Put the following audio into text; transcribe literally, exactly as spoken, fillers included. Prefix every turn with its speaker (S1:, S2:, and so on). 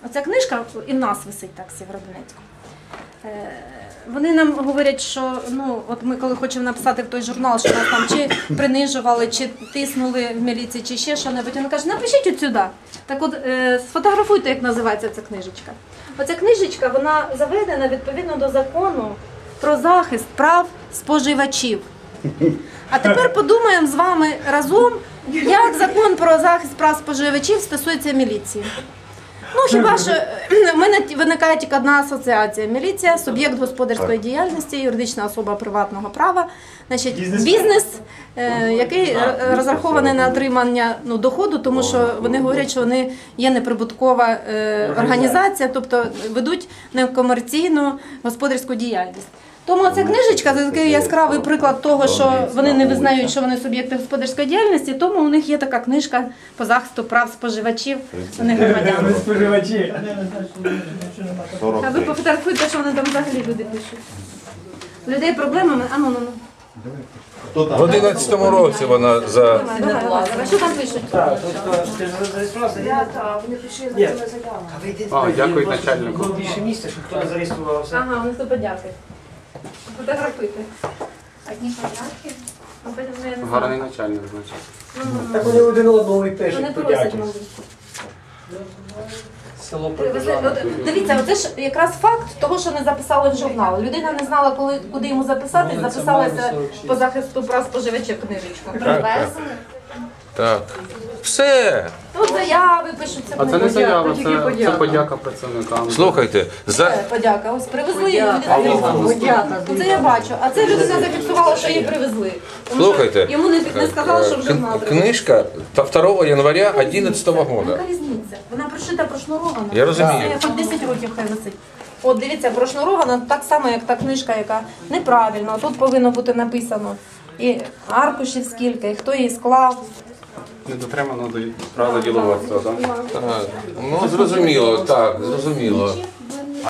S1: Оця книжка і в нас висить так в Сєвєродонецьку. Вони нам говорять, що ну, от ми коли хочемо написати в той журнал, що нас там чи принижували, чи тиснули в міліції, чи ще що-небудь, вони кажуть, напишіть от сюди. Так от е, сфотографуйте, як називається ця книжечка. Оця книжечка, вона заведена відповідно до закону про захист прав споживачів. А тепер подумаємо з вами разом, як закон про захист прав споживачів стосується міліції. Ну, хіба що в мене виникає тільки одна асоціація. Міліція, суб'єкт господарської діяльності, юридична особа приватного права, значить, бізнес, е, який розрахований на отримання ну, доходу, тому що вони говорять, що вони є неприбуткова е, організація, тобто ведуть некомерційну господарську діяльність. Тому ця книжечка – це такий яскравий приклад того, що вони не визнають, що вони суб'єкти господарської діяльності, тому у них є така книжка по захисту прав споживачів, а не громадян. А ви пофотографуйте, що вони там взагалі люди пишуть. Людей проблемами, а ну, ну, ну.
S2: В одинадцятому році вона за...
S1: Давай, давай, давай. Що там пишуть?
S3: Ти ж зареєструвався?
S1: Я, так, вони пишуть за цю заяву.
S3: А, дякую начальнику. Більше місця, щоб хто не зареєструвався.
S1: Ага, вони хто подякує. Фотографуйте.
S4: Одні подяки.
S1: А потім, ну, я не знаю.
S3: Гарний начальник, значить.
S5: Так вони один одного і
S1: Вони
S5: пишуть
S1: просять,
S5: подяки.
S1: мабуть.
S5: Село
S1: Ви знаєте, от Дивіться, оце ж якраз факт того, що не записали в журнал. Людина не знала, коли, куди йому записати, записалася по захисту прав споживачів книжечку.
S4: Привезли.
S2: Так. Все.
S1: Тут заяви пишуться.
S3: А це не заява, це, це подяка працівникам.
S2: Слухайте, за...
S1: Подяка. Ось привезли, і людина зафіксувала. Це я бачу. А це людина зафіксувала, що її привезли. Тому що
S2: Слухайте,
S1: йому не, не сказали, що в журнал
S2: Кн-
S1: привезли.
S2: книжка второго января одиннадцатого года.
S1: Яка різниця? Вона прошита, прошнурована.
S2: Я розумію.
S1: Це хоч десять років хай висить. От дивіться, прошнурована так само, як та книжка, яка неправильно. Тут повинно бути написано і аркушів скільки, і хто її склав.
S3: Не дотримано до правил діловодства, так?
S2: Так. Ну, зрозуміло, так, зрозуміло.